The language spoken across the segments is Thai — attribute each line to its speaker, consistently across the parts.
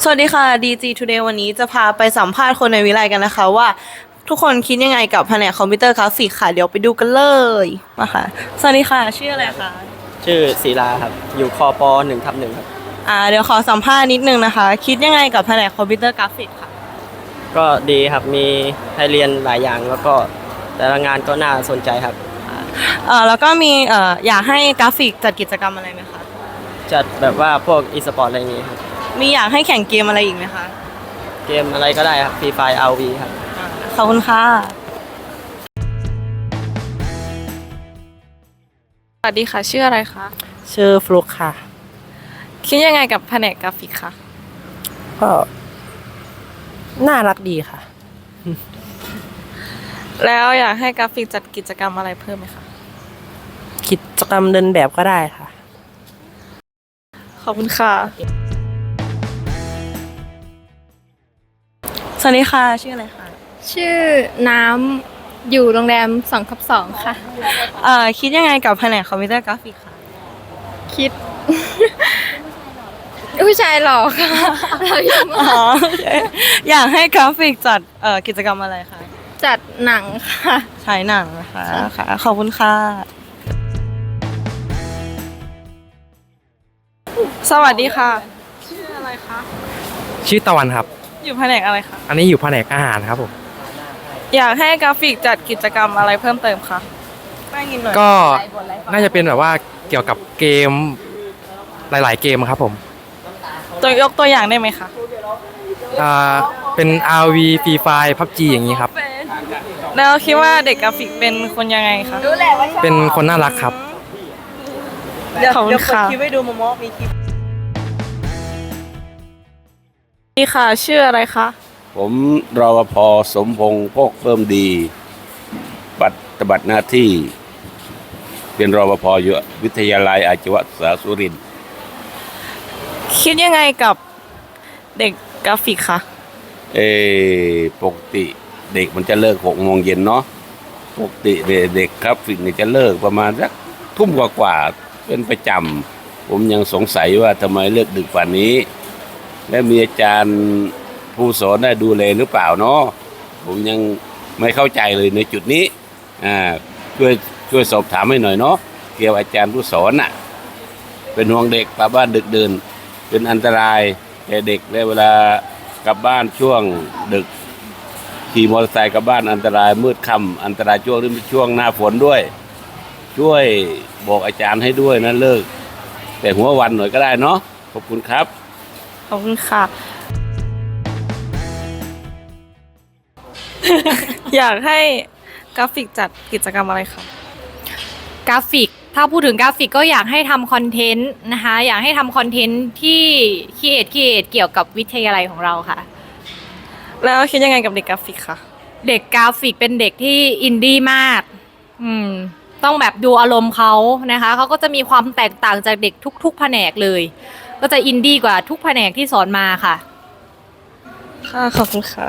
Speaker 1: วัสดีค่ะ DG Today วันนี้จะพาไปสัมภาษณ์คนในวิไลกันนะคะว่าทุกคนคิดยังไงกับแผนกคอมพิวเตอร์กราฟิกค่ะเดี๋ยวไปดูกันเลยมาค่ะสวัสดีค่ะชื่ออะไรคะ
Speaker 2: ชื่อศิลาครับอยู่คป1/1ครับ
Speaker 1: เดี๋ยวขอสัมภาษณ์นิดนึงนะคะคิดยังไงกับแผนกคอมพิวเตอร์กราฟิกค่ะ
Speaker 2: ก็ดีครับมีให้เรียนหลายอย่างแล้วก็แต่ละงานก็น่าสนใจครับ
Speaker 1: แล้วก็มีอยากให้กราฟิกจัดกิจกรรมอะไรไหมคะ
Speaker 2: จัดแบบว่าพวกอีสปอร์ตอะไรอย่างงี้ครับ
Speaker 1: มีอยากให้แข่งเกมอะไรอีกไหมคะ
Speaker 2: เกมอะไรก็ได้ครับฟรีไฟร์ RV ครับ
Speaker 1: ขอบคุณค่ะ
Speaker 3: สวัสดีค่ะชื่ออะไรคะ
Speaker 4: ชื่อฟลุกค่ะ
Speaker 3: คิดยังไงกับแผนกกราฟิกคะ
Speaker 4: ก็น่ารักดีค่ะ
Speaker 3: แล้วอยากให้กราฟิกจัดกิจกรรมอะไรเพิ่มไหมคะ
Speaker 4: กิจกรรมเดินแบบก็ได้ค่ะ
Speaker 3: ขอบคุณค่ะ
Speaker 1: สวัสดีค่ะชื่ออะไรคะ
Speaker 5: ชื่อน้ำอยู่โรงแรม2/2ค่ะ
Speaker 1: คิดยังไงกับแผนกคอมพิวเตอร์กราฟิกค่ะ
Speaker 5: คิด ผู้ชายหล่อค่ะเรายังไม่
Speaker 1: อยากให้กราฟิกจัดกิจกรรมอะไรคะ
Speaker 5: จัดหนังค่ะ
Speaker 1: ฉายหนังนะคะค่ะขอบคุณค่ะ
Speaker 3: สวัสดีค่ะชื่ออะไรคะ
Speaker 6: ชื่อตะวันครับ
Speaker 3: อยู่แผนกอะไรคะ
Speaker 6: อันนี้อยู่แผนกอาหารครับผม
Speaker 3: อยากให้กราฟิกจัดกิจกรรมอะไรเพิ่มเติมคะ
Speaker 6: ก็น่าจะเป็นแบบว่าเกี่ยวกับเกมหลายๆเกมครับผม
Speaker 3: ยกตัวอย่างได้ไหมคะ
Speaker 6: เป็น RV Free Fire PUBG อย่างนี้ครับ
Speaker 3: แล้วคิดว่าเด็กกราฟิกเป็นคนยังไงคะ
Speaker 6: เป็นคนน่ารักครับ
Speaker 1: เดี๋ยวเปิดคลิปให้ดูโมโมมีคลิป
Speaker 3: นี่ค่ะชื่ออะไรคะ
Speaker 7: ผมรปภ.สมพงษ์โภคเพิ่มดีปฏิบัติหน้าที่เป็นรปภ.อยู่วิทยาลัยอาชีวศึกษาสุรินทร์
Speaker 3: คิดยังไงกับเด็กกราฟิกคะ
Speaker 7: ปกติเด็กมันจะเลิก6 โมงเย็นเนาะปกติเด็กกราฟิกนี่จะเลิกประมาณสักทุ่มกว่าเป็นประจำผมยังสงสัยว่าทำไมเลิกดึกกว่านี้และมีอาจารย์ผู้สอนได้ดูแลหรือเปล่าเนาะผมยังไม่เข้าใจเลยในจุดนี้ช่วยสอบถามให้หน่อยเนาะเกี่ยวอาจารย์ผู้สอนน่ะเป็นห่วงเด็กกลับบ้านดึกดื่นเป็นอันตรายแก่เด็กและเวลากลับบ้านช่วงดึกขี่มอเตอร์ไซค์กลับบ้านอันตรายมืดค่ำอันตรายช่วงหน้าฝนด้วยช่วยบอกอาจารย์ให้ด้วยนะเลิกแต่หัววันหน่อยก็ได้เนาะขอบคุณครับ
Speaker 3: ขอบคุณค่ะ อยากให้กราฟิกจัดกิจกรรมอะไรคะ
Speaker 5: กราฟิกถ้าพูดถึงกราฟิกก็อยากให้ทำคอนเทนต์นะคะอยากให้ทำคอนเทนต์ที่คิดเกี่ยวกับวิทยาลัยของเราค่ะ
Speaker 3: แล้วคิดยังไงกับเด็กกราฟิกคะ
Speaker 5: เด็กกราฟิกเป็นเด็กที่อินดี้มากต้องแบบดูอารมณ์เขานะคะเขาก็จะมีความแตกต่างจากเด็กทุกแผนกเลยก็จะอินดี้กว่าทุกแผนกที่สอนมาค่ะ
Speaker 3: ค่ะขอบคุณค่ะ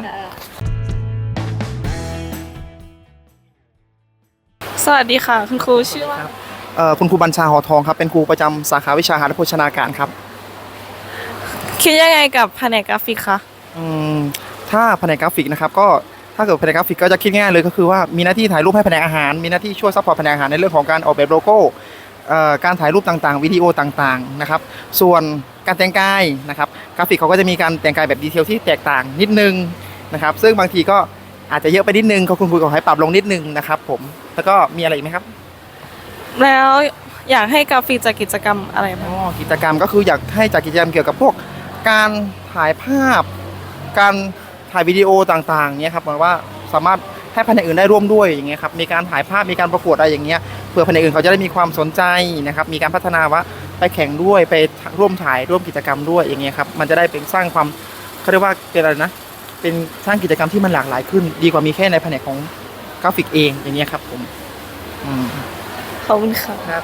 Speaker 3: สวัสดีค่ะคุณครูชื่อว่า
Speaker 4: คุณครูบัญชาหอทองครับเป็นครูประจำสาขาวิชาอาหารและโภชนาการครับ
Speaker 3: คิดยังไงกับแผนกกราฟิกคะ
Speaker 4: ถ้าแผนกกราฟิกนะครับก็ถ้าเกิดแผนกกราฟิกก็จะคิดง่ายเลยก็คือว่ามีหน้าที่ถ่ายรูปให้แผนกอาหารมีหน้าที่ช่วยซัพพอร์ตแผนกอาหารในเรื่องของการออกแบบโลโก้การถ่ายรูปต่างๆวิดีโอต่างๆนะครับส่วนการแต่งกายนะครับกราฟิกเขาก็จะมีการแต่งกายแบบดีเทลที่แตกต่างนิดนึงนะครับซึ่งบางทีก็อาจจะเยอะไปนิดนึงคุณครูขอให้ปรับลงนิดนึงนะครับผมแล้วก็มีอะไรอีกไหมครับ
Speaker 3: แล้วอยากให้กราฟิกจัดกิจกรรมอะไรบ้าง
Speaker 4: กิจกรรมก็คืออยากให้จัดกิจกรรมเกี่ยวกับพวกการถ่ายภาพการถ่ายวิดีโอต่างๆเนี่ยครับเหมือนว่าสามารถให้แผนกอื่นได้ร่วมด้วยอย่างเงี้ยครับมีการถ่ายภาพมีการประกวดอะไรอย่างเงี้ยเพื่อแผนกอื่นเขาจะได้มีความสนใจนะครับมีการพัฒนาว่าไปแข่งด้วยไปร่วมถ่ายร่วมกิจกรรมด้วยอย่างเงี้ยครับมันจะได้เป็นสร้างความเขาเรียกว่าเป็นอะไรนะเป็นสร้างกิจกรรมที่มันหลากหลายขึ้นดีกว่ามีแค่ในแผนกของกราฟิกเองอย่างเงี้ยครับผม
Speaker 3: ขอบคุณค่ะ
Speaker 4: ครับ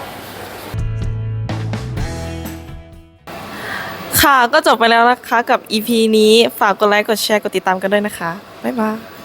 Speaker 3: ค่ะก็จบไปแล้วนะคะกับ EP นี้ฝากกดไลค์กดแชร์กดติดตามกันด้วยนะคะบ๊ายบาย